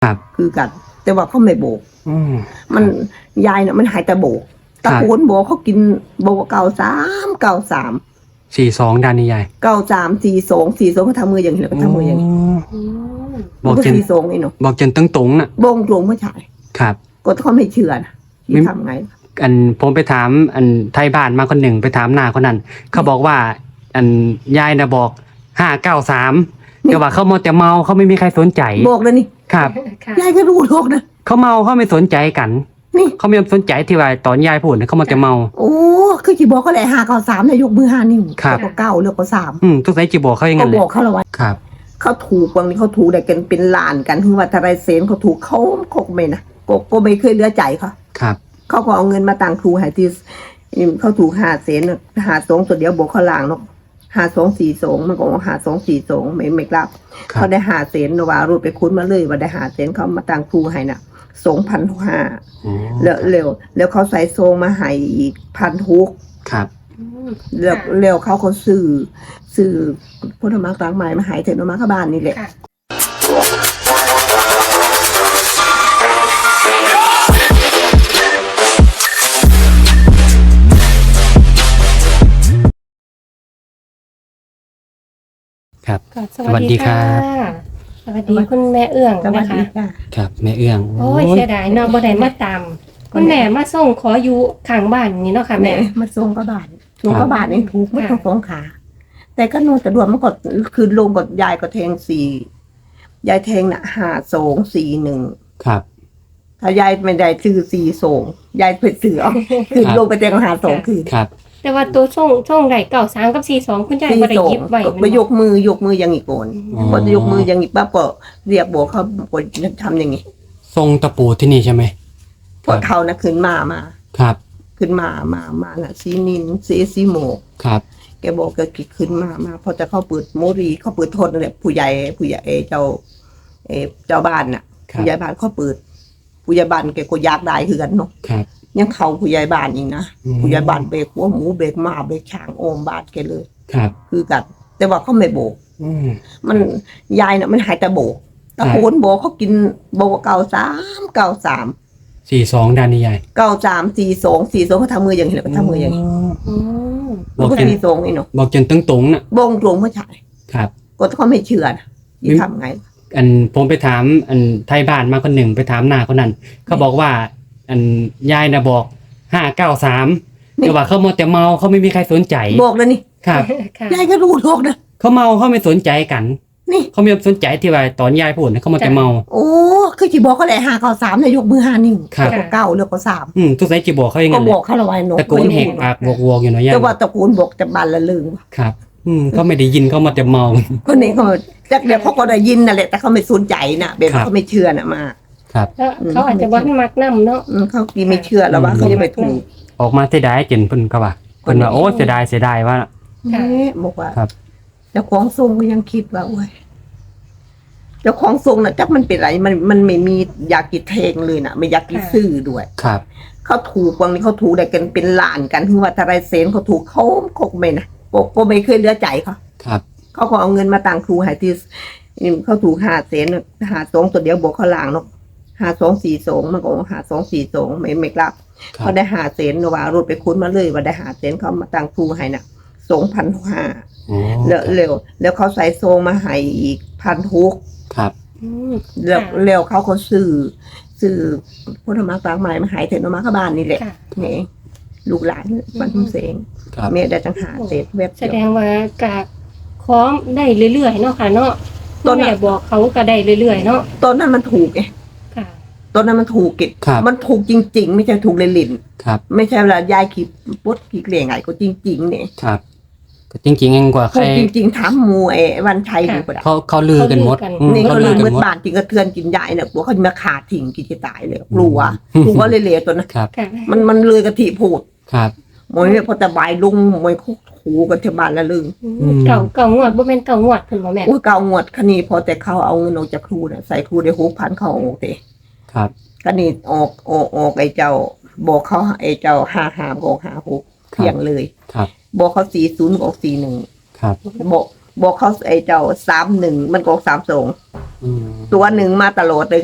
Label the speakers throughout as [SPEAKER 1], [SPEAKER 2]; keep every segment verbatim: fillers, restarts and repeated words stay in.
[SPEAKER 1] ครับ
[SPEAKER 2] คือกัน แต่ว่าเขาไม่โบก
[SPEAKER 1] อืม
[SPEAKER 2] มันยายเนี่ยมันหายแต่โบกตะโกนโบกเขากินโบกเก่าสามเก่าสาม
[SPEAKER 1] สี่สองด้านนี้ยาย
[SPEAKER 2] เก่าสามสี่สองสี่สองเขาทำมืออย่างนี้แล้วก็ทำมืออย่างนี้
[SPEAKER 1] บอก
[SPEAKER 2] ก็
[SPEAKER 1] จน
[SPEAKER 2] สี่สองไอ้หนู
[SPEAKER 1] บอกจนตึงตรงน่ะ
[SPEAKER 2] บงตรงไม่ใช่
[SPEAKER 1] ครับ
[SPEAKER 2] ก็เขาไม่เชื่อนะที่ทำไง
[SPEAKER 1] อันผมไปถามอันไทยบ้านมาคนหนึ่งไปถามหน้าคนนั้นเขาบอกว่า อันยายนะบอกห้าเก้าสามแต่ว่าเขาเมาแต่เมาเขาไม่มีใครสนใจ
[SPEAKER 2] บอกเลยนี่
[SPEAKER 1] ครับ
[SPEAKER 2] ยายก็รู้โลกนะ
[SPEAKER 1] เขาเมาเขาไม่สนใจกัน
[SPEAKER 2] นี่
[SPEAKER 1] เขาไม่สนใจที่ว่าตอนยายพูดนะเขาเมาแต่เมา
[SPEAKER 2] โอ้คือจีบอกเขาแหละห้าเก้าสามเนี่ยยกมือห้านิ้ว
[SPEAKER 1] ครับ
[SPEAKER 2] แล้วก็เก้าแล้วก็สาม
[SPEAKER 1] อืมทุกสายจีบอกเขาอย่าง
[SPEAKER 2] ก็
[SPEAKER 1] นั้นเล
[SPEAKER 2] บ
[SPEAKER 1] ย
[SPEAKER 2] อกเขาและว่า
[SPEAKER 1] ครับ
[SPEAKER 2] เขาถูกบางทีเขาถูกแต่กันเป็นล้านกันถึงว่าทารายเซนเขาถูกเขาคกไม่นะก็ก็ไม่เคยเหลือใจเขา
[SPEAKER 1] ครับ
[SPEAKER 2] เขาก็เอาเงินมาตังครูให้ที่เขาถูกหาเซนหาสองตัวเดียวบอกเขาล่างเนาะหาสองสี่สองมันก็หาสองสี่สองไม่ไม่กลับ
[SPEAKER 1] ครับ
[SPEAKER 2] เขาได้หาเซนว่ารูดไปคุ้นมาเลยว่าได้หาเซนเขามาตังครูให้น่ะสองพันห้า
[SPEAKER 1] อ๋อ
[SPEAKER 2] แล้วเร็วแล้วเขาใส่โซงมาให้อีกพันหก
[SPEAKER 1] ครับ
[SPEAKER 2] แล้วแล้วเขาเขาซื้อซื้อพุทธมรรคต่างหมายมาหายเถอะมาเข้าบ้านนี่แหละ
[SPEAKER 1] ครับ
[SPEAKER 3] ค่ะสวัสดีค่ะ สวัสดีคุณแม่เอื้อง
[SPEAKER 2] สวัส
[SPEAKER 3] นะคะ
[SPEAKER 2] ดีค่ะ
[SPEAKER 1] ครับแม่เอื้อง
[SPEAKER 3] โอ้ยเสียดายเนาะบ่ได้มาตามคุณแม่มาส่งขออยู่ข้างบ้านนี่เนาะค่ะ
[SPEAKER 2] แม่
[SPEAKER 3] แม่
[SPEAKER 2] มาส่งก็บ้านส่งก็บ้านเองถูกไม่ต้องสงขา แต่ก็โน่นแต่ดวงมันก็คือลงกับยายก็แทงสี่ยายแทงน่ะห้าสองสี่หนึ่ง
[SPEAKER 1] ครับ
[SPEAKER 2] ถ้ายายไม่ได้ซื้อสี่สองยายเพิ่นซื้อเอาคือลงไปแทงหาสองคือ
[SPEAKER 1] ครับ
[SPEAKER 3] แต่ว่าตัวส่งส่งได้เก้าสามกับสี่สองคุณยาย
[SPEAKER 2] สี่
[SPEAKER 3] บ่ได้
[SPEAKER 2] สอง
[SPEAKER 3] หยิบไว้
[SPEAKER 2] ไปยกมือยกมืออย่างอีกโกน
[SPEAKER 1] อ๋อ
[SPEAKER 2] พอจะยกมืออย่างอีกปั๊บก็เรียกบอกเขาบอกทำอย่างนี้
[SPEAKER 1] ทรงตะปูที่นี่ใช่ไหม
[SPEAKER 2] พอเขานะขึ้นมามา
[SPEAKER 1] ครับ
[SPEAKER 2] ขึ้นมามามาน่ะซีนินซีซีโมก
[SPEAKER 1] ครับ
[SPEAKER 2] แกบอกแกกิดขึ้นมามาพอจะเข้าเปิดโมรีเขาเปิดโทษนั่นแหละผู้ใหญ่ผู้ใหญ่เอ่อเจ้าเออเจ้าบ้านน่ะ
[SPEAKER 1] ครับ
[SPEAKER 2] ผู้ใหญ่บ้านเขาเปิด ผู้ใหญ่บ้านแกก็อยากได้คือกันเนาะ
[SPEAKER 1] ครับ
[SPEAKER 2] ยังเขาผู้ใหญ่บ้านอีกนะ
[SPEAKER 1] อืม
[SPEAKER 2] ผู้ใหญ่บ้านเบรกหัวหมูเบรกหมาเบรกช้างโอมบาดแกเลย
[SPEAKER 1] ครับ
[SPEAKER 2] คือกัน แต่ว่าเขาไม่โบก
[SPEAKER 1] อืม
[SPEAKER 2] มันยายน่ะมันหายแต่โบกตะโกนโบกเขากินโบกเก่าสามเก่าสาม
[SPEAKER 1] สี่สองด้านนี้ยาย
[SPEAKER 2] เก่าสามสี่สองสี่สองเขาทำมืออย่างนี้แล้วก็ทำมืออย่างนี้
[SPEAKER 3] อืม
[SPEAKER 1] บอก
[SPEAKER 2] ก็
[SPEAKER 1] จน
[SPEAKER 2] สี่สองนี่เนาะ
[SPEAKER 1] บอกจนตึงตรงน่ะ
[SPEAKER 2] บงตรงไม่ใช่
[SPEAKER 1] ครับ
[SPEAKER 2] ก็เขาไม่เชื่อนะที่ทำไง
[SPEAKER 1] อันผมไปถามอันไทยบ้านมาคนหนึ่งไปถามหน้าคนนั้นเขาบอกว่า อันยายนะบอกห้าเก้าสามแต่ว่าเขาเมาแต่เมาเขาไม่มีใครสนใจ
[SPEAKER 2] บอกเลยนี่
[SPEAKER 1] ครับ
[SPEAKER 3] ค่ะ
[SPEAKER 2] ยายก็รู้โลกนะ
[SPEAKER 1] เขาเมาเขาไม่สนใจกัน
[SPEAKER 2] นี่
[SPEAKER 1] เขาไม่สนใจที่ว่าตอนยายพูดนะเขาเมาแต่เมา
[SPEAKER 2] โอ้คือจีบอกเขาแหละหาเก่าสามเนี่ยยกมือห้านิ้ว
[SPEAKER 1] ครับ
[SPEAKER 2] แล้วก็เก้าแล้วก็สาม
[SPEAKER 1] อืมทุกสายจีบอกเขาอย่าง
[SPEAKER 2] ก็
[SPEAKER 1] นั้น
[SPEAKER 2] บ
[SPEAKER 1] เล
[SPEAKER 2] อย กเขาละไว้นก
[SPEAKER 1] ตะโกนแหกปากวอกๆอยู่เนาะยาย
[SPEAKER 2] แต่ว่าตะโกนบอกแต่บันละลืม
[SPEAKER 1] ครับ อืมเขาไม่ได้ยินเขามาแต่เมา
[SPEAKER 2] คนนี้เขาจากเดี๋ยวเขาก็ได้ยินนั่นแหละแต่เขาไม่สนใจนะแบบ
[SPEAKER 1] ครับ
[SPEAKER 2] เขาไม่เชื่อนะมา
[SPEAKER 1] ครับ
[SPEAKER 3] แล้วเขาอาจจะบ่ทันมักนำเนาะ
[SPEAKER 2] อืมเขากีไม่เชื่อแล้วว่า
[SPEAKER 1] อืม
[SPEAKER 2] เขาจะไปถูก
[SPEAKER 1] ออกมาเสียดายจนเพิ่นเขาว่าเพิ่นว่าโอ้เสียดายเสียดายว่า
[SPEAKER 2] นี่บอกว่า
[SPEAKER 1] ครับ
[SPEAKER 2] เจ้าของทรงก็ยังคิดว่าโอ้ยเจ้าของทรงน่ะจักมันเป็นไรมันมันไม่มีอยากกินเทงเลยนะไม่อยากกินซื่อด้วย
[SPEAKER 1] ครับ
[SPEAKER 2] เขาถูกบางทีเขาถูกได้กันเป็นล้านกันถึงว่าทารายเซนเขาถูกเขาคกไม่นะก็ก็ไม่เคยเหลือใจเขา
[SPEAKER 1] ครับ
[SPEAKER 2] เขาก็เอาเงินมาตังครูให้ที่เขาถูกหาเซนหาสองตัวเดียวบอกเขาล่างเนาะหาสองสี่สองมันก็หาสองสี่สองไม่ไม่กลับ
[SPEAKER 1] ครับ
[SPEAKER 2] เขาได้หาเซนว่ารูดไปคุ้นมาเลยว่าได้หาเซนเขามาตังครูให้น่ะสองพันห้า
[SPEAKER 1] อ๋อ
[SPEAKER 2] แล้วเร็วแล้วเขาใส่โซงมาให้อีกพันหก
[SPEAKER 1] ครับ
[SPEAKER 3] อืม
[SPEAKER 2] แล้ว
[SPEAKER 3] ค่ะ
[SPEAKER 2] แล้วเขาก็ซื้อซื้อพุทธมรรคต่างหมายมาใหายเถอะมาเข้าบ้านนี่แหละ
[SPEAKER 3] ค่ะ
[SPEAKER 2] นี่ลูกหลานบ้านทุ่งเสง
[SPEAKER 1] ครับ
[SPEAKER 2] แม่ได้จังหาเศษเว็บ
[SPEAKER 3] แสดงว่ากะขอได้เรื่อยๆเนาะค่ะเนาะ
[SPEAKER 2] ต้
[SPEAKER 3] คุ
[SPEAKER 2] น
[SPEAKER 3] ณ
[SPEAKER 2] น่ะ
[SPEAKER 3] แม่บอกเขาก็ได้เรื่อยๆเนาะ
[SPEAKER 2] ต้นนั้นมันถูกไง
[SPEAKER 3] ค่ะ
[SPEAKER 2] ต้นนั้นมันถูกกิจ
[SPEAKER 1] ครับ
[SPEAKER 2] มันถูกจริง ๆ ไม่ใช่ถูกเลยลิน
[SPEAKER 1] ครับ
[SPEAKER 2] ไม่ใช่เวลายายขีดปุ๊ดขีดเหลี่ยงไงก็จริงๆเนี่ย
[SPEAKER 1] ครับก็จริงๆเองกว่าใค
[SPEAKER 2] ถู
[SPEAKER 1] ร
[SPEAKER 2] กจริงๆถามหมูไอ้วันชัย
[SPEAKER 3] ค่ะ
[SPEAKER 2] ดูก็ได้
[SPEAKER 1] เขาเขาลือกันหมดอืม
[SPEAKER 2] นี่เขา
[SPEAKER 1] เขา
[SPEAKER 2] ลื
[SPEAKER 1] ลื
[SPEAKER 2] ม
[SPEAKER 1] อกั
[SPEAKER 2] มื
[SPEAKER 1] น
[SPEAKER 2] ด
[SPEAKER 1] หมด
[SPEAKER 2] บานจริงกระเทือนกินยายเนี่ยกลัวเขาจะมาขาดทิ้งกินจะตายเลยกลัว
[SPEAKER 1] อืม
[SPEAKER 2] กลัวเลยๆตัวนั้น
[SPEAKER 1] ครับ
[SPEAKER 3] ค่ะ
[SPEAKER 2] มันมันเลยกะทิพูด
[SPEAKER 1] ครับ
[SPEAKER 2] มวยเนี่ยพอแต่บายลุงมวยคุกหูกันที่บ้านละลึง
[SPEAKER 3] อืมเก่าเก่างวดบ่เป็นเก่างวดเพิ่นบ่แม่
[SPEAKER 2] อุ้ยเก่างวดคันนี้พอแต่เขาเอาเงินออกจากครูเนี่ยใส่ครูได้หกพันเขาเอาออกเตะ
[SPEAKER 1] ครับ
[SPEAKER 2] คันนี้ออกออกออกไอ้เจ้า บอกเขาไอ้เจ้าห้าหาบอกหาหกเพียงเลย
[SPEAKER 1] ครับ
[SPEAKER 2] บอกเขาสี่ศูนย์ออกสี่หนึ่ง
[SPEAKER 1] ครับ
[SPEAKER 2] บอกบอกเขาไอ้เจ้าสามหนึ่งมันก็ออกสามสอง
[SPEAKER 1] อืม
[SPEAKER 2] ตัวหนึ่งมาตลอดเลยคันนี้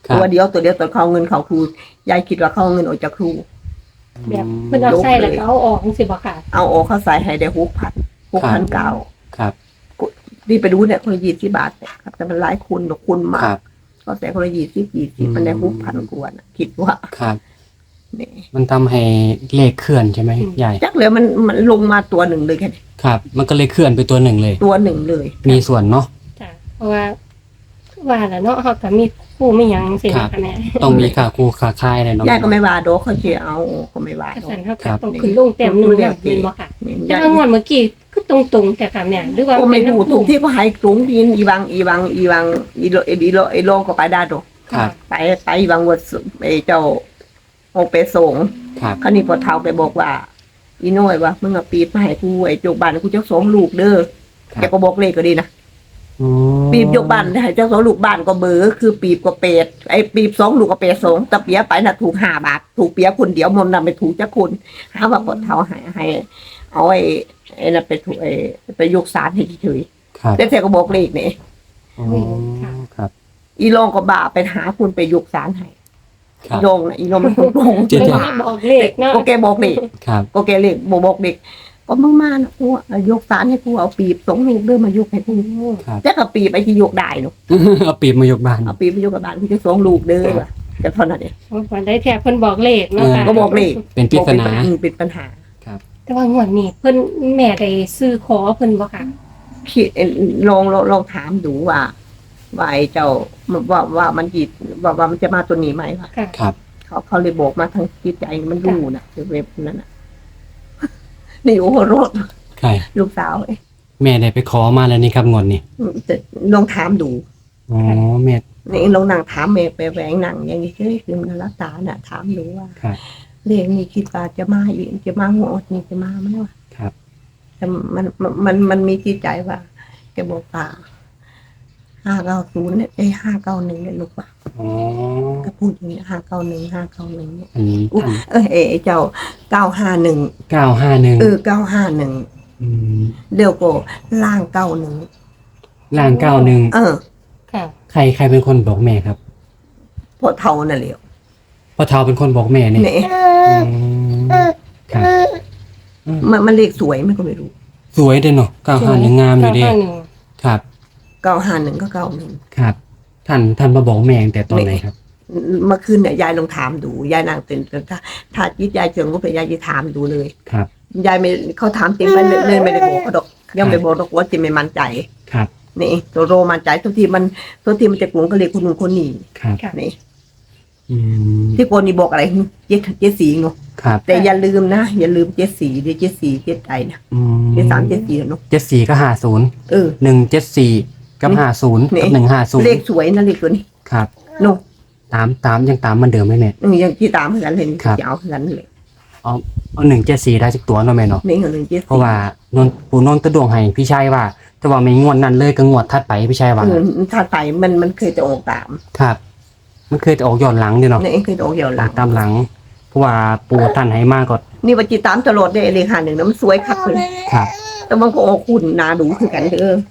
[SPEAKER 1] ครับ
[SPEAKER 2] ตัวเดียวตัวเดียวตัวเขาเงินเขาครูยายคิดว่าเขาเอาเงินออกจากครู
[SPEAKER 3] แบบเพิ่นเอาใส่แล้วก็เอาออกจังซี่บ่ค่ะ
[SPEAKER 2] เอาออกเขาใส่ให้ได้หกพันหกพันเก้า
[SPEAKER 1] ครับ
[SPEAKER 2] นี่ไปดูเนี่ยคนละยี่สิบบาทเนี่ยครับแต่มันหลายคูณดอกคูณมา
[SPEAKER 1] ครั
[SPEAKER 2] ก
[SPEAKER 1] บ
[SPEAKER 2] ก็แต่คนละยี่สิบยี่สิบ
[SPEAKER 1] อืม
[SPEAKER 2] มันได้หกพันกว่านะคิดว่า
[SPEAKER 1] ครับ
[SPEAKER 2] นี่
[SPEAKER 1] มันทำให้เลขเคลื่อนใช่ไหม
[SPEAKER 3] อืม
[SPEAKER 1] ยาย
[SPEAKER 2] จักเลยมันมันลงมาตัวหนึ่งเลยแค่นี้
[SPEAKER 1] ครับ มันก็เลยเคลื่อนไปตัวหนึ่งเลย
[SPEAKER 2] ตัวหนึ่งเลย
[SPEAKER 1] มีส่วนเนาะ
[SPEAKER 3] จ้ะเพราะว่าว่าแล้วเนาะเฮาก็มีผู้มีหยังจังซี่
[SPEAKER 1] ครับ
[SPEAKER 3] ค่ะแม่
[SPEAKER 1] ต้องมีขาคูขาค่ายเลยเนาะ
[SPEAKER 2] ยายก็ไม่ว่าโดอกเขาเชียเอาก็ไม่ว่า
[SPEAKER 3] ก็
[SPEAKER 2] โดอ
[SPEAKER 3] สั่น
[SPEAKER 2] ก
[SPEAKER 3] เฮา
[SPEAKER 1] ครั
[SPEAKER 3] ก็
[SPEAKER 1] บ
[SPEAKER 3] ต้องขึ้นลงเต็มหนึงแล้วแม่นบ่ค่ะ
[SPEAKER 2] นี่
[SPEAKER 3] แต่
[SPEAKER 2] ยาย
[SPEAKER 3] ว่างวดเมื่อกี้คือตรงๆแต่ค่ะแม่หรือว่า
[SPEAKER 2] ก็ไม่
[SPEAKER 3] เป็น
[SPEAKER 2] รู้ถูกที่เขาให้กรุงดินอีวังอีวังอีวังอีโลอีโลอีโลก็ไปได้ดอก
[SPEAKER 1] ครับ
[SPEAKER 2] ไปไปอีวังวัดไอ้เจ้าโอเปสง
[SPEAKER 1] ครับ
[SPEAKER 2] คราวนี้พอเท่าไปบอกว่า อีน้อยว่ามึงเอาปีบมาให้กูไอ้โจกบ้านกูเจ้าสองลูกเด้อ
[SPEAKER 1] ครับ
[SPEAKER 2] แกก็บอกเลขก็ดีนะ
[SPEAKER 1] อ๋อ
[SPEAKER 2] ปีบยกบ้านให้เจ้าสองลูกบ้านก็เบอร์คือปีบก็เป็ดไอ้ปีบสองลูกก็เป็ดสองตะเปียไปน่ะถูกห้าบาทถูกเปียคนเดียวมอมนำไปถูกจ้าคุณหาว่าพอเท่าให้ให้เอาไอ้ไอ้นั่นไปถูกไอ้ไปยกสารให้เฉย
[SPEAKER 1] ครับ
[SPEAKER 2] ๆแต่แกก็บอกเลขนี่
[SPEAKER 1] อ๋อครับ
[SPEAKER 2] อีลองก็บ่าไปหาคุณไปยกสารให้
[SPEAKER 1] ครับ
[SPEAKER 2] อีลองน่ะอีลองมันคงโกง
[SPEAKER 1] เจ๊
[SPEAKER 3] เพิ่น
[SPEAKER 1] ๆ
[SPEAKER 3] ก็บอกเลขเนาะ
[SPEAKER 2] ก็แกบอกเลข
[SPEAKER 1] ครับ
[SPEAKER 2] ก็แกเลขบอกบอกเด็กก็มึงมานะกูเอายกสารให้กูเอาปีบสองลูกเดินมายกให้กู
[SPEAKER 1] ครับ
[SPEAKER 2] แต่กับปีบไอ้ที่ยกได้เนาะ
[SPEAKER 1] เอาปีบมายกบ้าน
[SPEAKER 2] เอาปีบไปยกกับบ้านกูจะสองลูกเด้อว่ะแต่เท่านั้นเอง
[SPEAKER 3] วันได้แท้เพิ่นบอกเลขเนาะค่ะ
[SPEAKER 2] ก็บอกเลข
[SPEAKER 1] เป็นปริศนา
[SPEAKER 2] อืมเป็นปัญหา
[SPEAKER 3] แต่ว่างวดนี้เพิ่นแม่ได้ซื้อขอเพิ่นบ่ค่ะ
[SPEAKER 2] คิดเอ่อลองลองลองถามดูว่าว่าไอ้เจ้าว่าว่ามันจิตว่าว่ามันจะมาตัวนี้ไหมวะ
[SPEAKER 3] ค่ะ
[SPEAKER 1] ครับ
[SPEAKER 2] เขาเขาเลยบอกมาทางจิตใจมันรู้นะเว็บนั้นน่ะ นี่โอ้โหรถ
[SPEAKER 1] ใคร
[SPEAKER 2] ลูกสาวเอ้ย
[SPEAKER 1] แม่ได้ไปขอมาแล้วนี่ครับงวดนี้
[SPEAKER 2] จะลองถามดู
[SPEAKER 1] อ๋อแม่
[SPEAKER 2] นี่เรานั่งถามแม่ไปแหวงนั่งอย่างนี้เฮ้ยคือมันรักษาน่ะถามดูว่า
[SPEAKER 1] ครับ
[SPEAKER 2] เรื่องนี้คิดว่าจะมาอีกจะมาหัวอดนี่จะมาไหมวะ
[SPEAKER 1] ครับ
[SPEAKER 2] แต่มันมันมันมันมีจิตใจว่าแกบอกว่าห้าเก้าศูนย์เนี่ยไอ้ห้าเก้าหนึ่งเนี่ยลูกว่า
[SPEAKER 1] อ๋อ
[SPEAKER 2] ก็พูดอย่างนี้ห้าเก้าหนึ่งห้าเก้าหนึ่งเนี่ย
[SPEAKER 1] อันนี้
[SPEAKER 2] อุ๊ยเออเอ้เจ้าเก้าห้าหนึ่ง
[SPEAKER 1] เก้าห้าหนึ่ง
[SPEAKER 2] เออเก้าห้าหนึ่ง
[SPEAKER 1] อืม
[SPEAKER 2] เดี๋ยวก็ล่างเก้าหนึ่ง
[SPEAKER 1] ล่างเก้าหนึ่ง
[SPEAKER 2] เออ
[SPEAKER 3] ค่ะ
[SPEAKER 1] ใครใครเป็นคนบอกแม่ครับ
[SPEAKER 2] พอเท่านั่นแหละ
[SPEAKER 1] พ่อเทาเป็นคนบอกแม่เนี่ย
[SPEAKER 2] เนี่ย
[SPEAKER 1] อืมครับ
[SPEAKER 2] มันมันเลขสวยมันก็ไม่รู้
[SPEAKER 1] สวยเด้อเนาะเก้าห้าหนึ่งงามอยู่เด้
[SPEAKER 3] เก้าห้าหนึ่ง
[SPEAKER 1] ครับ
[SPEAKER 2] เก้าห้าหนึ่งก็เก้าหนึ่ง
[SPEAKER 1] ครับ ท่านท่านมาบอกแม่ตั้งแต่ตอนไหนครับ
[SPEAKER 2] เมื่อคืนเนี่ยยายลองถามดูยายนางเต็นถ้าถ้าจิตยายเชิงก็ไปยายจะถามดูเลย
[SPEAKER 1] ครับ
[SPEAKER 2] ยายไม่เขาถามจริงไปเลยเลยไม่ได้บอกเขาดอกยังไม่บอกดอกว่าจิไม่มั่นใจ
[SPEAKER 1] ครับ
[SPEAKER 2] นี่ตัวโรมั่นใจทุกทีมันทุกทีมันจะกลุ่มก็เลยคนนู้นคนนี้
[SPEAKER 1] ครับ
[SPEAKER 3] ค่ะ
[SPEAKER 2] นี่
[SPEAKER 1] อืม
[SPEAKER 2] ที่คนนี้บอกอะไรเจ็ดเจ็ดสีเนาะ
[SPEAKER 1] ครับ
[SPEAKER 2] แต่อย่าลืมนะอย่าลืมเจ็ดสีเดี๋ยวเจ็ดสีเจ็ดใจนะ
[SPEAKER 1] อืม
[SPEAKER 2] เจ็ดสามเจ็ดสี่เนาะ
[SPEAKER 1] เจ็ดสี่ก็ห้าศูนย์
[SPEAKER 2] เออ
[SPEAKER 1] หนึ่งเจ็ดสี่กับ
[SPEAKER 2] นี่
[SPEAKER 1] ห้าศูนย์
[SPEAKER 2] นี่
[SPEAKER 1] กับหนึ่งห้าศูนย์
[SPEAKER 2] เลขสวยนะเลขตัวนี้
[SPEAKER 1] ครับ
[SPEAKER 2] เนาะ
[SPEAKER 1] ตามตามยังตามเหมันเดิมไหมแม่
[SPEAKER 2] อืมยังที่ตามเหมือนกันเลย
[SPEAKER 1] ครับ
[SPEAKER 2] จะเอาเหมือนกันเลย
[SPEAKER 1] เอาเอาหนึ่งเจ็ดสี่ได้สักตัวเนาะแม่เนาะ
[SPEAKER 2] นี่เหมือนเจ็ด
[SPEAKER 1] เพราะว่านนปู่นนท์ตะดวงให้พี่ชายว่า แต่ว่าไม่งวดนั้นเลยก็งวดถัดไปพี่ชายว่า
[SPEAKER 2] เออถ้าใส่มันมันเคยจะออกตาม
[SPEAKER 1] ครับ มันเคยจะออกย้อนหลังด้วยเนาะ
[SPEAKER 2] นี่เคยจะออกเหี่ยวห
[SPEAKER 1] อ
[SPEAKER 2] ลั
[SPEAKER 1] อง กตามหลัง เพราะว่าปู่ท่านให้มากก็
[SPEAKER 2] นี่ว่าจีตามตลอดเลยเลขหาหนึ่งนะมันสวยคักเลย
[SPEAKER 1] ครับ
[SPEAKER 2] แต่มันก็ออกคุณนาดูคือกันเออ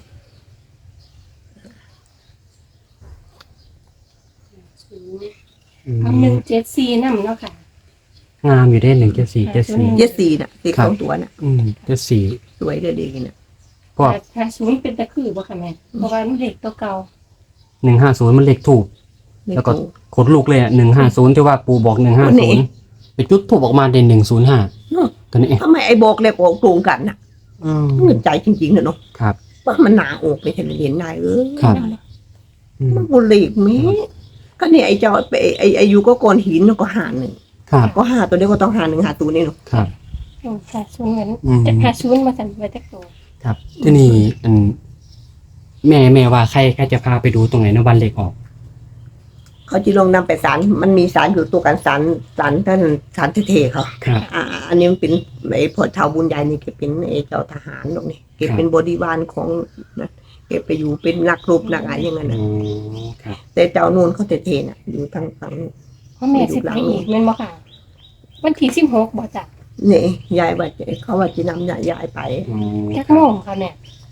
[SPEAKER 1] อืม
[SPEAKER 3] เอาหนึ่งเจ็ดสี่นำเนาะค่ะ
[SPEAKER 1] งามอยู่ได้หนึ่งเจ็ดสี่เจ็ดสี่
[SPEAKER 2] เจ็ดสี่น่ะสี
[SPEAKER 1] ครั
[SPEAKER 2] ส
[SPEAKER 1] บ
[SPEAKER 2] องตัวน่ะ
[SPEAKER 1] อืมเจ็ดสี่
[SPEAKER 2] สวยเลยดีน่ะ
[SPEAKER 1] พวก
[SPEAKER 3] ถ้าศูนย์เป็นตะคือบ่ค่ะแม่เพราะว่ามันเลขตัวเก่า
[SPEAKER 1] หนึ่งห้าศูนย์มันเลขถูก
[SPEAKER 2] นี่
[SPEAKER 1] แล้วก็
[SPEAKER 2] กู
[SPEAKER 1] ขนลูกเลยอ่ะหนึ่งห้าศูนย์ที่ว่าปู่บอกหนึ่งห้า
[SPEAKER 2] นี่
[SPEAKER 1] ศูนย์ไปจุดถูกออกมาเด่นหนึ่งศูนย์ห้า
[SPEAKER 2] เนาะ
[SPEAKER 1] ตัวนี้เอง
[SPEAKER 2] ทำไมไอ้บอกเลขออกตรงกันน่ะ
[SPEAKER 1] อืม
[SPEAKER 2] เงินใจจริงๆนะเนาะ
[SPEAKER 1] ครับ
[SPEAKER 2] ว่ามันหนาออกไปเห็นเห็นนายเออ
[SPEAKER 1] ครับ อืม
[SPEAKER 2] มันบุหรี่มีก็เนี่ยไอ้เจ้าไอ้ไอ้ไอ้ยูก็โกนหินแล้วก็หาหนึ่ง
[SPEAKER 1] ครับ
[SPEAKER 2] ก็หาตัวเดียวก็ต้องหาหนึ่งหาตัวนี่เนาะ
[SPEAKER 1] ครับ
[SPEAKER 3] อืมค่ะศูนย์เหมือน
[SPEAKER 1] อืม
[SPEAKER 3] จะหาศูนย์มาสั่นไว้จักตัว
[SPEAKER 1] ครับ ที่นี่อันแม่แม่ว่าใครใครจะพาไปดูตรงไหนนะวันเลขออก
[SPEAKER 2] เขาจะลงนำไปศาลมันมีศาลอยู่ตัวกันศาลศาลท่านศาลเทๆเขา
[SPEAKER 1] ครับ
[SPEAKER 2] อ่า อันนี้มันเป็นไอ้พอชาวบุญใหญ่นี่เก็บเป็นไอ้เจ้าทหารตรงนี้เก็บเป็นบริวารของนะเก็บไปอยู่เป็นนักรบนักอะไรอย่างนั้น
[SPEAKER 1] อ๋
[SPEAKER 2] นะ
[SPEAKER 1] อครับ
[SPEAKER 2] แต่เจ้านูนเขาเทๆน่ะอยู่ทางฝั่งนู้น
[SPEAKER 3] เพราะแม่สิไปอีกแม่นบ่ค่ะ วันที่สิบหกบ่จ้ะ
[SPEAKER 2] นี่ยายว่าจะเขาว่าจะนำยายไป
[SPEAKER 1] อ๋อ
[SPEAKER 3] จัก
[SPEAKER 1] ครั
[SPEAKER 3] โม
[SPEAKER 1] บ
[SPEAKER 3] งค่ะแม่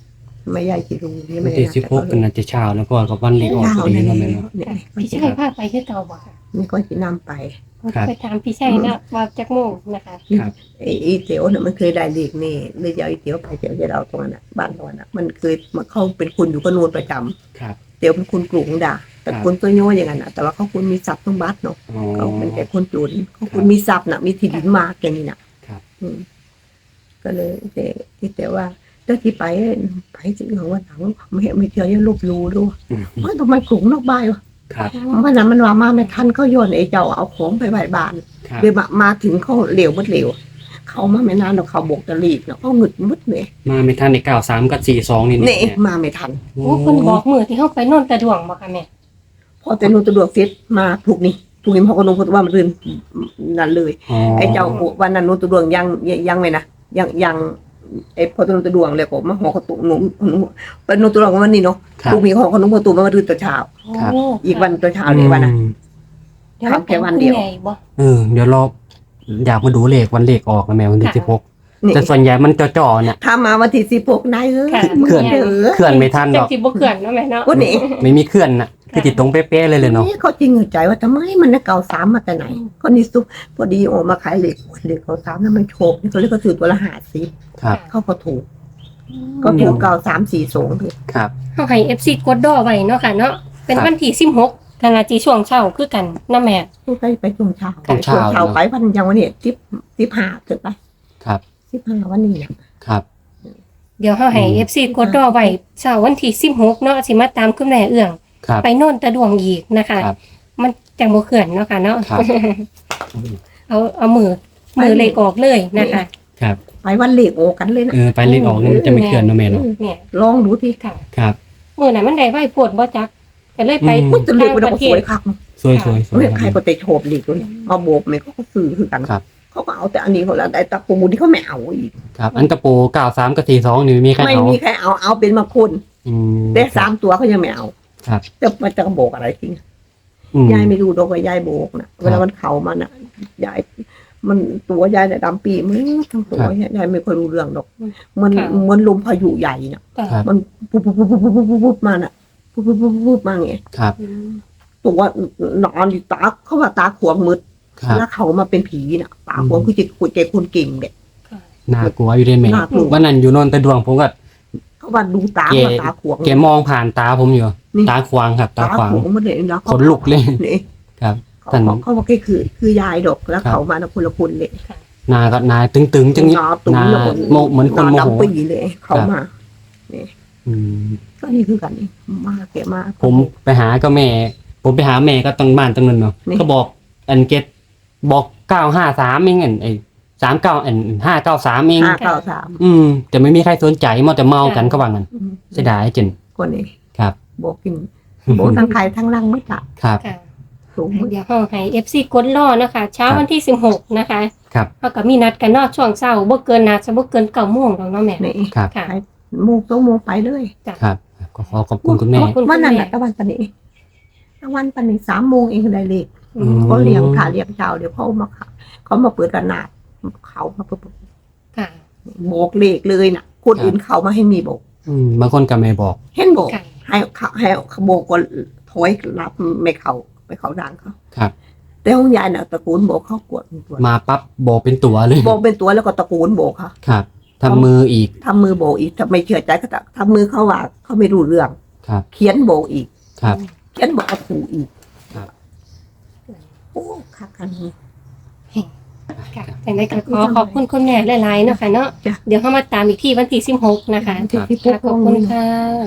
[SPEAKER 2] ไม่ใหญ่กี่รูนี่
[SPEAKER 1] วั
[SPEAKER 2] ไม่
[SPEAKER 1] น
[SPEAKER 2] ได้
[SPEAKER 1] ที่
[SPEAKER 2] นับ
[SPEAKER 1] สิบหกกันน่าจะเช้าแล้วเพราะว่ากับวันเลขออก
[SPEAKER 2] เช้า
[SPEAKER 1] พอดี
[SPEAKER 2] เนี่ย
[SPEAKER 1] เนาะแม่เนาะ
[SPEAKER 2] เนี่ย
[SPEAKER 3] พี่ชัยพาไปคือเก่าบ่ค่ะ
[SPEAKER 2] นี่ก็จะนำไป
[SPEAKER 1] ครับ
[SPEAKER 3] ไปถามพี่ชัยนะว่าจักโมงนะคะ
[SPEAKER 1] ครับ
[SPEAKER 2] ไอ้ไอ้เตี๋ยวเนี่ยมันเคยได้เลขนี่เลยจะเอาไอ้เตี๋ยวไปเตี๋ยวจะเอาตรงนั้นน่ะบ้านตรงนั้นน่ะมันเคยมาเข้าเป็นคุณอยู่กับนวลประจำ
[SPEAKER 1] ครับ
[SPEAKER 2] เตี๋ยวเป็นคุณกลุ่มด่าแต่
[SPEAKER 1] ครับ
[SPEAKER 2] คุณตัวโย่อย่างนั้นน่ะแต่ว่าเขาคุณมีทรัพย์ทั้งบัตรเนาะ
[SPEAKER 1] อ๋อ
[SPEAKER 2] เขาเป็นแต่คนจนเขาคุณมีทรัพย์น่ะมีที่ดินมากอย่างนี้น่ะ
[SPEAKER 1] ครับ
[SPEAKER 2] อืมก็เลยแต่ที่แต่ว่าเจ้าที่ไปไปจริงเหรอว่าหลังไม่ไม่เจอยังลบลูด้วย
[SPEAKER 1] อืม
[SPEAKER 2] ว่าทำไมกลุ่มนอกบ้านวะ
[SPEAKER 1] ครับ
[SPEAKER 2] วันนั้นมันว่ามาไม่ทันเขาโยนไอ้เจ้าเอาของไปไหว้บ้าน
[SPEAKER 1] ครับ
[SPEAKER 2] เดี๋ยวมามาถึงเขาเหลวมดเหลวเขามาไม่นานหรอกเขาบกตะลีกเนาะเขาหงึดมุดเลย
[SPEAKER 1] มาไม่ทันในเก้าสามกับสี่สองนี่
[SPEAKER 2] นี่
[SPEAKER 1] เนี่ย
[SPEAKER 2] มาไม่ทัน
[SPEAKER 3] โอ้เพิ่นบอกมือที่เฮาไปโน่นตะดวงบ่ค่ะแม่
[SPEAKER 2] พอแต่นูตะดวกเสร็จมาถูกนี่ถูกนี่พอก็ลงพอว่ามันรื่นนั่นเลย
[SPEAKER 1] อ๋อ
[SPEAKER 2] ไอ้เจ้าวันนั้นนูตะดวงยังยังยังไม่นะยังยังไอ้พอตะนูตะดวงเลยผมมาหอขตุหนูหนูเป็นนูตะดวงวันนี้เนาะ
[SPEAKER 1] ครับ
[SPEAKER 2] ถูกมีหอขนมขตุมามารื่นตัวเช้า
[SPEAKER 1] ครับ
[SPEAKER 3] โอ้
[SPEAKER 2] อีกวันตัวเช้าเลยวันน่ะ
[SPEAKER 1] อืม
[SPEAKER 3] เดี๋ยว
[SPEAKER 2] ครับแค่วันเดียว
[SPEAKER 3] คุณแม่อีกบ่
[SPEAKER 1] เออเดี๋ยวรออยากมาดูเลขวันเลขออกนะแม่วันที่
[SPEAKER 3] ค่ะ
[SPEAKER 1] สิบหก
[SPEAKER 2] นี่
[SPEAKER 1] แต่ส่วนใหญ่มันจ่อๆเนี่ย
[SPEAKER 2] ถ้ามาวันที่สิบหกนายเอ้ย
[SPEAKER 3] ค่ะ
[SPEAKER 2] มึง
[SPEAKER 1] เขื่อน
[SPEAKER 2] เด้อ
[SPEAKER 1] เคลื่อนไม่ทันหร
[SPEAKER 3] จั
[SPEAKER 1] อก
[SPEAKER 3] งสิบ่เขื่อนเนาะแม่เนาะ
[SPEAKER 2] ก็นี่
[SPEAKER 1] ไม่มีเคลื่อนน่ะคือติดตรงเป๊ะๆเลยเลยเนาะ
[SPEAKER 2] นี่เขาจริงใจว่าทำไมมันน่ะเก่าสามมาแต่ไหนก็นี่ซุปพอดีออกมาขายเหล็กเหล็กเก่าสามนั่นมันโชคนี่เขาเรียกว่าซื้อตัวละห้าสิบ
[SPEAKER 1] ครับ
[SPEAKER 2] เขาก็ถูก ก็ถูกเก่าสามสี่สองเลย
[SPEAKER 1] ครับ
[SPEAKER 3] เฮาให้ เอฟ ซี กดดอไว้เนาะค่ะเนาะเป็น
[SPEAKER 1] ครับ
[SPEAKER 3] วันที่สิบหกธนาจีช่วงเช้าคือกันนะแม่
[SPEAKER 2] ไปไปช่วงเช้า
[SPEAKER 1] ช่วงเช้า
[SPEAKER 2] เช้าไปวันยังวันนี้สิบสิบห้าเกิดไป
[SPEAKER 1] ครับ
[SPEAKER 2] สิบห้าวันนี้น่ะ
[SPEAKER 1] ครับ
[SPEAKER 3] เดี๋ยวเฮาให้
[SPEAKER 1] อืม
[SPEAKER 3] เอฟ ซี กดดอไว้เช้าวันที่สิบหกเนาะสิมาตามคุณแม่เอื้อง
[SPEAKER 1] ครับ
[SPEAKER 3] ไปโน่นตะดวงอีกนะคะ
[SPEAKER 1] ครับ
[SPEAKER 3] มันจังบ่เขื่อนเนาะค่ะเนาะ
[SPEAKER 1] ครับ
[SPEAKER 3] เอาเอามือมือเลขออกเลยนะคะ
[SPEAKER 1] ครับ
[SPEAKER 2] ไปวันเหล็กโอกันเลยนะ
[SPEAKER 1] เออไปเลขออกเนี่ยมันจะไม่เคลื่อนเนาะแม่เนาะ
[SPEAKER 3] เนี่ย
[SPEAKER 2] ลองดูที่
[SPEAKER 3] ค่ะ
[SPEAKER 1] ครับ
[SPEAKER 3] มือไหนมันได้ไหวปวดบ่จักก็เลยไป
[SPEAKER 1] อืม
[SPEAKER 2] มันจะเหล็กมัน
[SPEAKER 3] ต่าง
[SPEAKER 2] ก็
[SPEAKER 3] ประ
[SPEAKER 2] ส
[SPEAKER 3] เท
[SPEAKER 2] ว
[SPEAKER 3] ศ
[SPEAKER 2] ยคัก
[SPEAKER 1] สวยๆสวย
[SPEAKER 2] เฮ้ยใครก็เตะโฉบเหล็กเลยมาโบกเนี่ยเขาก็ซื้อคือกัน
[SPEAKER 1] ครับ
[SPEAKER 2] เขาก็เอาแต่อันนี้เขาแล้วแต่ตะปูที่เขาไม่เอาอีก
[SPEAKER 1] ครับอันตะปูเก้าสามกับสี่สองนี่ไม่มีใคร
[SPEAKER 2] ไม่
[SPEAKER 1] เอา
[SPEAKER 2] มีใครเอาเอาเป็นมาคน
[SPEAKER 1] อืม
[SPEAKER 2] แต่สามตัวเขายังไม่เอา
[SPEAKER 1] ครับ
[SPEAKER 2] จะมันจะโบกอะไรจริง
[SPEAKER 1] อืม
[SPEAKER 2] ยายไม่รู้ดอกว่ายายโบกนะเวลามันเข่ามันอ่ะยายมันตัวยายเนี่ยดำปีมือทั้งตัวยายไม่ค่อยรู้เรื่องดอก มัน
[SPEAKER 3] ค่ะ
[SPEAKER 2] มันลมพายุใหญ่น่ะ
[SPEAKER 3] ค่ะ
[SPEAKER 2] มันปุ๊บปุ๊บปุ๊บปุ๊บปุ๊บปุ๊บปุ๊บมาน่ะปุ๊บปุ๊บปุ๊บปุ๊บมาไง
[SPEAKER 1] ครับ
[SPEAKER 3] อืม
[SPEAKER 2] ตัวนอนอยู่ตาเขาว่าตาขวางมืด
[SPEAKER 1] ครับ
[SPEAKER 2] แล้วเขามาเป็นผีน่ะตาขวางคือจิตคุยใจคนเก่งเด็ก
[SPEAKER 3] ค่ะ
[SPEAKER 1] น่ากลัวอยู่ด้วยแม่
[SPEAKER 2] น่ากลัว
[SPEAKER 1] วันนั้นอยู่นนท์ตะดวงผมก็
[SPEAKER 2] เขาว่าดูตา
[SPEAKER 1] แก
[SPEAKER 2] ว่าตาขวาง
[SPEAKER 1] แกมองผ่านตาผมอยู่
[SPEAKER 2] นี่
[SPEAKER 1] ตาขวางครับ ตา
[SPEAKER 2] ตา
[SPEAKER 1] ขวาง
[SPEAKER 2] ขวางมันเลยนะ
[SPEAKER 1] ขนลุกเลย
[SPEAKER 2] นี่
[SPEAKER 1] ครับ
[SPEAKER 2] เขา
[SPEAKER 1] ท่าน
[SPEAKER 2] เขาเขาบอกแค่คือคือยายดอกแล้ว
[SPEAKER 1] ครับ
[SPEAKER 2] เขามานะคนละคนเลย
[SPEAKER 1] หนาก็หนาตึงๆจังนี้
[SPEAKER 2] หน้าตุ้ม
[SPEAKER 1] หนา
[SPEAKER 2] แล้วคน
[SPEAKER 1] โมเหมือนคนโม
[SPEAKER 2] หา
[SPEAKER 1] โห
[SPEAKER 2] ดำปีเลย เขามา
[SPEAKER 1] อืม
[SPEAKER 2] ก็นี่คือกันนี่มาแกมา
[SPEAKER 1] ผมไปหาก็แม่ ผมไปหาแม่ก็ตรงบ้านตรงนั้นเนาะ
[SPEAKER 2] นี่
[SPEAKER 1] ก็บอกอันเกตบอกเก้าห้าสามเองอันไอ้สามเก้าอันห้าเก้าสามเอง
[SPEAKER 2] ห้าเก้าสาม
[SPEAKER 1] อืมแต่ไม่มีใครสนใจมัวแต่เมากันก็ว่างั้น
[SPEAKER 2] อืม
[SPEAKER 1] เสียดายจริง
[SPEAKER 2] คนนี้
[SPEAKER 1] ครับ
[SPEAKER 2] บอกกินบอกทั้งใครทั้งรังไม่ตัด
[SPEAKER 1] ครับ
[SPEAKER 3] ค่ะ
[SPEAKER 2] สูงมืด
[SPEAKER 3] เดี๋ยวเฮาให้ เอฟ ซี กดรอนะคะ เช้า
[SPEAKER 1] ครับ
[SPEAKER 3] วันที่สิบหกนะคะ
[SPEAKER 1] ครับ
[SPEAKER 3] เฮาก็มีนัดกันเนาะช่วงเช้าบ่เกินน่าจะบ่เกินเก้าโมงดอกเนาะแม่
[SPEAKER 2] นี่
[SPEAKER 1] ครับ
[SPEAKER 3] ค่ะ
[SPEAKER 2] โมกต้องโมกไปเลย
[SPEAKER 1] ครับ ก็ขอขอบคุณคุณแม่
[SPEAKER 3] ขอบคุณ
[SPEAKER 2] วันนั้น
[SPEAKER 3] คุณแม่
[SPEAKER 2] แหละตะวันปานนี้ตะวันปานนี้สามโมงเองได้เลย
[SPEAKER 3] อืม
[SPEAKER 2] เขาเลี้ยงขาเลี้ยงเจ้าเดี๋ยวเขามาเขาเขามาเปิดกระนาดเขามาเปิด
[SPEAKER 3] ค่ะ
[SPEAKER 2] โบกเลขเลยน่ะ คนอื่นเขามาให้มีโบก
[SPEAKER 1] อืมบางคนก็ไม่บอก
[SPEAKER 2] เห็นโบก
[SPEAKER 3] ค่ะ
[SPEAKER 2] ให้เขาให้เขาโบกก็ถอยรับไม่เขาไปเขาดังเขา
[SPEAKER 1] ครับ
[SPEAKER 2] แต่ของยายน่ะตะโกูลโบกเขากวดตัว
[SPEAKER 1] มาปั๊บบอกเป็นตัวเลย
[SPEAKER 2] โบกเป็นตัวแล้วก็ตะโกูลโบกค่ะ
[SPEAKER 1] ครับทำมืออีก
[SPEAKER 2] ทำมือโบกอีกถ้าไม่เชื่อใจก็จะทำมือเขาว่าเขาไม่รู้เรื่อง
[SPEAKER 1] ครับ
[SPEAKER 2] เขียนโบกอีก
[SPEAKER 1] ครับ
[SPEAKER 2] เขียนโบกเอาถูกอีก
[SPEAKER 1] ครับ
[SPEAKER 2] โอ้คักกันนี้
[SPEAKER 3] ค่ะจังได๋ก็ขอขอบคุณคุณแม่หลายๆเนาะค่ะเนาะ
[SPEAKER 2] จ้ะ
[SPEAKER 3] เดี๋ยวเฮามาตามอีกที่วันที่สิบหกนะคะ
[SPEAKER 2] ที่ที่พ
[SPEAKER 3] ค่ะ
[SPEAKER 2] ก
[SPEAKER 3] ขอบคุณค่ะ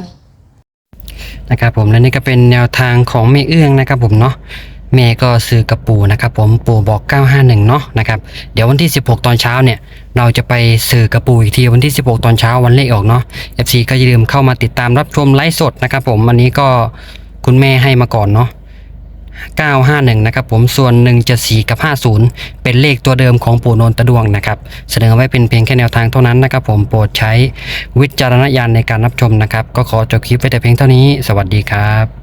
[SPEAKER 1] นะครับผมและนี่ก็เป็นแนวทางของแม่เอื้องนะครับผมเนาะแม่ก็ซื้อกับปู่นะครับผมปู่บอกเก้าห้าหนึ่งเนาะนะครับเดี๋ยววันที่สิบหกตอนเช้าเนี่ยเราจะไปซื้อกับปู่อีกทีวันที่สิบหกตอนเช้าวันเลขออกเนาะ เอฟ ซี ก็อย่าลืมเข้ามาติดตามรับชมไลฟ์สดนะครับผมวันนี้ก็คุณแม่ให้มาก่อนเนาะเก้าห้าหนึ่งนะครับผมส่วนหนึ่งเจ็ดสี่กับห้าสิบเป็นเลขตัวเดิมของปู่โนนตะดวงนะครับเสนอไว้เป็นเพียงแค่แนวทางเท่านั้นนะครับผมโปรดใช้วิจารณญาณในการรับชมนะครับก็ขอจบคลิปไว้แต่เพียงเท่านี้สวัสดีครับ